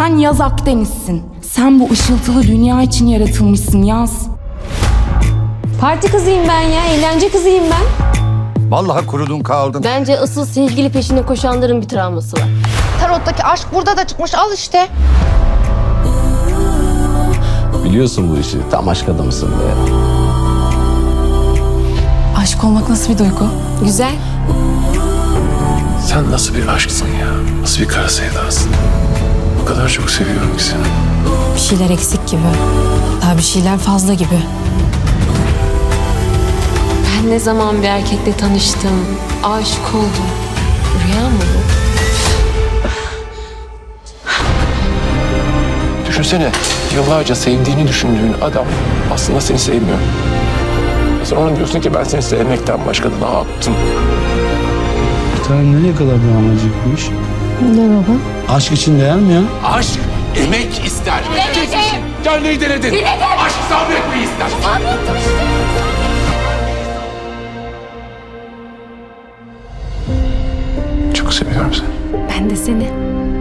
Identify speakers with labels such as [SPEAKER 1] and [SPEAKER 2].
[SPEAKER 1] Sen Yaz Akdeniz'sin. Sen bu ışıltılı dünya için yaratılmışsın Yaz.
[SPEAKER 2] Parti kızıyım ben ya, eğlence kızıyım ben.
[SPEAKER 3] Vallahi kurudun kaldın.
[SPEAKER 4] Bence asıl sevgili peşinde koşanların bir travması var.
[SPEAKER 5] Tarottaki aşk burada da çıkmış, al işte.
[SPEAKER 6] Biliyorsun bu işi. Tam aşk adamısın be.
[SPEAKER 1] Aşk olmak nasıl bir duygu?
[SPEAKER 2] Güzel.
[SPEAKER 7] Sen nasıl bir aşksın ya? Nasıl bir kara sevdasın? O kadar çok seviyorum ki seni.
[SPEAKER 2] Bir şeyler eksik gibi. Daha bir şeyler fazla gibi.
[SPEAKER 4] Ben ne zaman bir erkekle tanıştım, aşık oldum. Rüya mı bu?
[SPEAKER 7] Düşünsene, yıllarca sevdiğini düşündüğün adam aslında seni sevmiyor. Sen ona diyorsun ki ben seni sevmekten başka da ne yaptım?
[SPEAKER 8] Bir tane nereye kadar devam edecekmiş?
[SPEAKER 2] Ne baba?
[SPEAKER 8] Aşk için değer mi ya?
[SPEAKER 7] Aşk emek ister. Kendini denedin. Aşk sabretmeyi ister. Çok seviyorum seni.
[SPEAKER 2] Ben de seni.